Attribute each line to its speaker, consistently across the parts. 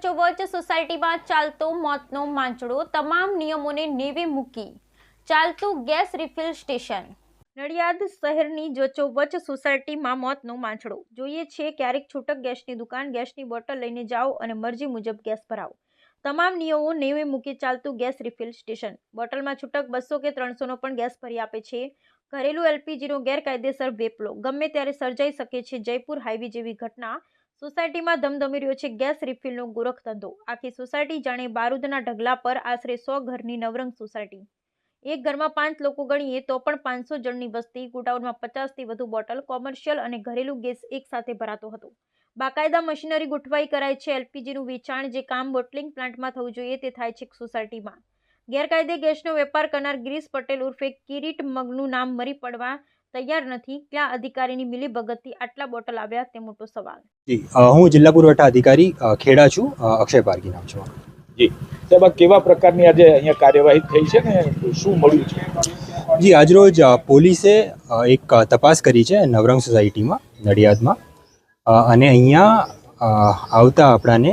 Speaker 1: વચ્ચોવચ્ચ સોસાયટીમાં ચાલતો મોતનો માંચડો, તમામ નિયમોને નેવે મૂકી ચાલતું ગેસ રિફિલ સ્ટેશન। નડિયાદ શહેરની વચ્ચોવચ્ચ સોસાયટીમાં મોતનો માંચડો। જોઈએ છે ક્યારેક છૂટક ગેસની દુકાન, ગેસની બોટલ લઈને જાઓ અને મરજી મુજબ ગેસ ભરાવો। તમામ નિયમો નેવે મૂકી ચાલતું ગેસ રિફિલ સ્ટેશન। બોટલમાં છૂટક 200 કે 300નો પણ ગેસ ભરી આપે છે। ઘરેલું એલપીજીનો ગેરકાયદેસર વેપલો ગમે ત્યારે સર્જાઈ શકે છે। જયપુર હાઈવે જેવી ઘટના સોસાયટીમાં ધમધમી રહ્યો છે ગેસ રિફિલનો ગોરખધંધો। આખી સોસાયટી જાણે બારૂદના ઢગલા પર। આશરે 100 ઘરની નવરંગ સોસાયટી। એક ઘરમાં 5 લોકો ગણીએ તો પણ 500 જણની વસ્તી। ગોડાઉનમાં 50થી વધુ બોટલ, કોમર્શિયલ અને ઘરેલું ગેસ એક સાથે ભરાતો હતો। બાકાયદા મશીનરી ગોઠવાઈ કરાય છે। એલપીજીનું વેચાણ જે કામ બોટલિંગ પ્લાન્ટમાં થવું જોઈએ તે થાય છે સોસાયટીમાં। ગેરકાયદે ગેસનો વેપાર કરનાર ગિરીશ પટેલ ઉર્ફે કિરીટ મગનું નામ મરી પડવા તૈયાર નથી। ક્યાં અધિકારીની મિલીભગતથી આટલા બોટલ આવ્યા તે મોટો સવાલ।
Speaker 2: જી, હું જિલ્લા પુરવઠા અધિકારી ખેડા છું। અક્ષય પારકી નામ છે।
Speaker 3: જી સાહેબ, કેવા પ્રકારની આજે અહીંયા કાર્યવાહી થઈ છે ને શું મળ્યું છે?
Speaker 2: જી, આજરોજ પોલીસે એક તપાસ કરી છે નવરંગ સોસાયટીમાં નડિયાદમાં, અને અહીંયા આવતા આપણાને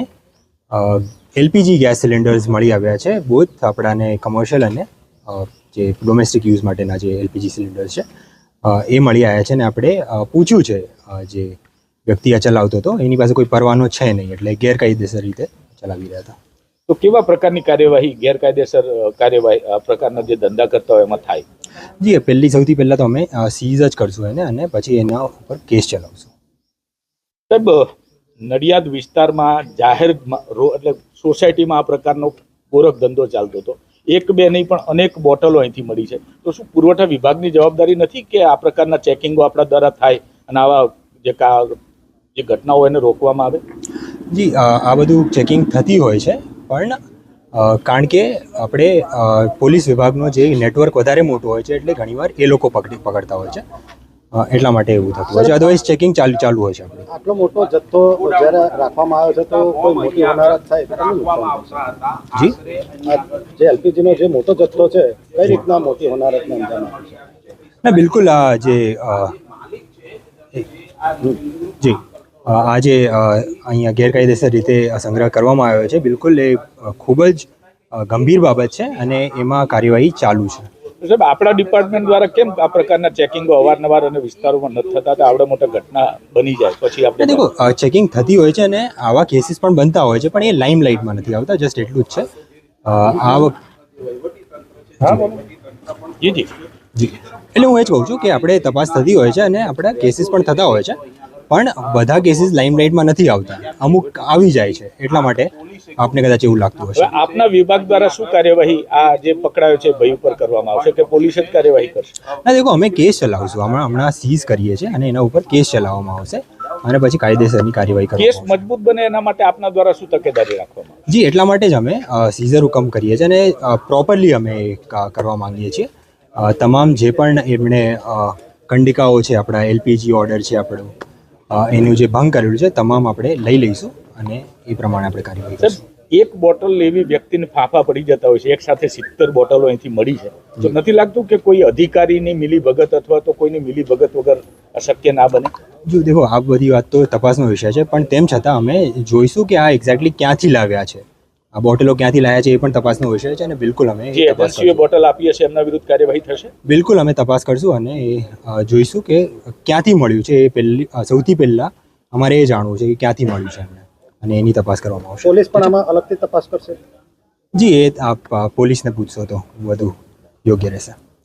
Speaker 2: એલપીજી ગેસ સિલિન્ડર્સ મળી આવ્યા છે। બોથ આપણાને કમર્શિયલ અને જે ડોમેસ્ટિક યુઝ માટેના જે એલપીજી સિલિન્ડર્સ છે એ મળી આવ્યા છે। ને આપણે પૂછ્યું છે જે વ્યક્તિ આ ચલાવતો હતો એની પાસે કોઈ પરવાનો છે નહીં, એટલે ગેરકાયદેસર રીતે ચલાવી રહ્યા હતા।
Speaker 3: તો કેવા પ્રકારની કાર્યવાહી, ગેરકાયદેસર કાર્યવાહી આ પ્રકારના જે ધંધા કરતા હોય એમાં થાય?
Speaker 2: જી, સૌથી પહેલાં તો અમે સીઝ જ કરશું એને, અને પછી એના ઉપર કેસ ચલાવશું।
Speaker 3: સાહેબ, નડિયાદ વિસ્તારમાં જાહેર એટલે સોસાયટીમાં આ પ્રકારનો ગોરખ ધંધો ચાલતો હતો। એક બે નહીં પણ અનેક બોટલો અહીંથી મળી છે। તો શું પુરવઠા વિભાગની જવાબદારી નથી કે આ પ્રકારના ચેકિંગો આપણા દ્વારા થાય અને આવા જે ઘટનાઓ એને રોકવામાં આવે?
Speaker 2: જી, આ બધું ચેકિંગ થતી હોય છે, પણ કારણ કે આપણે પોલીસ વિભાગનો જે નેટવર્ક વધારે મોટું હોય છે એટલે ઘણીવાર એ લોકો પકડતા હોય છે, એટલા માટે એવું થતું હોય છે। અદરવાઇઝ ચેકિંગ ચાલુ હોય છે આપણે।
Speaker 4: આટલો મોટો જથ્થો જ્યારે રાખવામાં આવ્યો છે તો કોઈ મોટી હોનારત થાય તો કેટલું નુકસાન થશે?
Speaker 2: જી,
Speaker 4: જે એલપીજીનો જે મોટો જથ્થો છે કઈ રીતના મોટી હોનારતને અંજામ આપે છે?
Speaker 2: ના, બિલકુલ જી, આ જે અહીંયા ગેરકાયદેસર રીતે સંગ્રહ કરવામાં આવ્યો છે, બિલકુલ એ ખૂબ જ ગંભીર બાબત છે અને એમાં કાર્યવાહી ચાલુ છે।
Speaker 3: સાહેબ, આપણા ડિપાર્ટમેન્ટ દ્વારા કેમ આ પ્રકારના ચેકિંગો અવારનવાર અને વિસ્તારોમાં નથી થતા? તો આવડે મોટા ઘટના બની જાય પછી આપણે
Speaker 2: દેખો, ચેકિંગ થતી હોય છે અને આવા કેસીસ પણ બનતા હોય છે, પણ એ લાઇમ લાઇટમાં નથી આવતા। જસ્ટ એટલું જ છે।
Speaker 3: જી જી
Speaker 2: જી, એટલે હું એ જ કહું છું કે આપણે તપાસ થતી હોય છે અને આપણા કેસીસ પણ થતા હોય છે, પણ બધા કેસીસ લાઇમલાઇટમાં નથી આવતા, અમુક આવી જાય છે, એટલા માટે આપને કદાચ એવું લાગતું હશે।
Speaker 3: આપના વિભાગ દ્વારા શું કાર્યવાહી આ જે પકડાયો છે ભાઈ ઉપર કરવામાં આવશે કે પોલીસ જ કાર્યવાહી કરશે?
Speaker 2: ના, દેખો, અમે કેસ ચલાવશું, હમણાં સીઝ કરીએ છીએ અને એના ઉપર કેસ ચલાવવામાં આવશે અને પછી કાયદેસરની કાર્યવાહી
Speaker 3: કેસ
Speaker 2: કરવામાં આવશે।
Speaker 3: મજબૂત બને એના માટે આપના દ્વારા શું તકેદારી રાખવામાં આવશે?
Speaker 2: જી, એટલા માટે જ અમે સીઝર હુકમ કરીએ છીએ અને પ્રોપરલી અમે કરવા માંગીએ છીએ। તમામ જે પણ એમણે કંડિકાઓ છે, આપણા એલપીજી ઓર્ડર છે આપણો, એનું જે ભંગ કરેલું છે તમામ આપણે લઈ લઈશું અને એ પ્રમાણે આપણે કાર્યવાહી કરીશું।
Speaker 3: એક બોટલ લેવી વ્યક્તિને ફાંફા પડી જતા હોય છે, એક સાથે 70 બોટલો અહીંથી મળી છે, તો નથી લાગતું કે કોઈ અધિકારીની મિલીભગત અથવા તો કોઈની મિલીભગત વગર અશક્ય ના બને?
Speaker 2: જો દેખો, આ બધી વાત તો તપાસનો વિષય છે, પણ તેમ છતાં અમે જોઈશું કે આ એક્ઝેક્ટલી ક્યાંથી લાવ્યા છે, આ બોટલો ક્યાંથી લાવ્યા છે એ પણ તપાસનો વિષય છે અને બિલકુલ અમે
Speaker 3: જે એજન્સીએ બોટલ આપી હશે એમના વિરુદ્ધ કાર્યવાહી થશે?
Speaker 2: બિલકુલ અમે તપાસ કરશું અને એ જોઈશું કે ક્યાંથી મળ્યું છે। એ સૌથી પહેલાં અમારે એ જાણવું છે કે ક્યાંથી મળ્યું છે એમને, અને એની તપાસ કરવામાં આવશે।
Speaker 4: પોલીસ પણ આમાં અલગથી તપાસ કરશે?
Speaker 2: જી, એ આપ પોલીસને પૂછશો તો વધુ યોગ્ય રહેશે।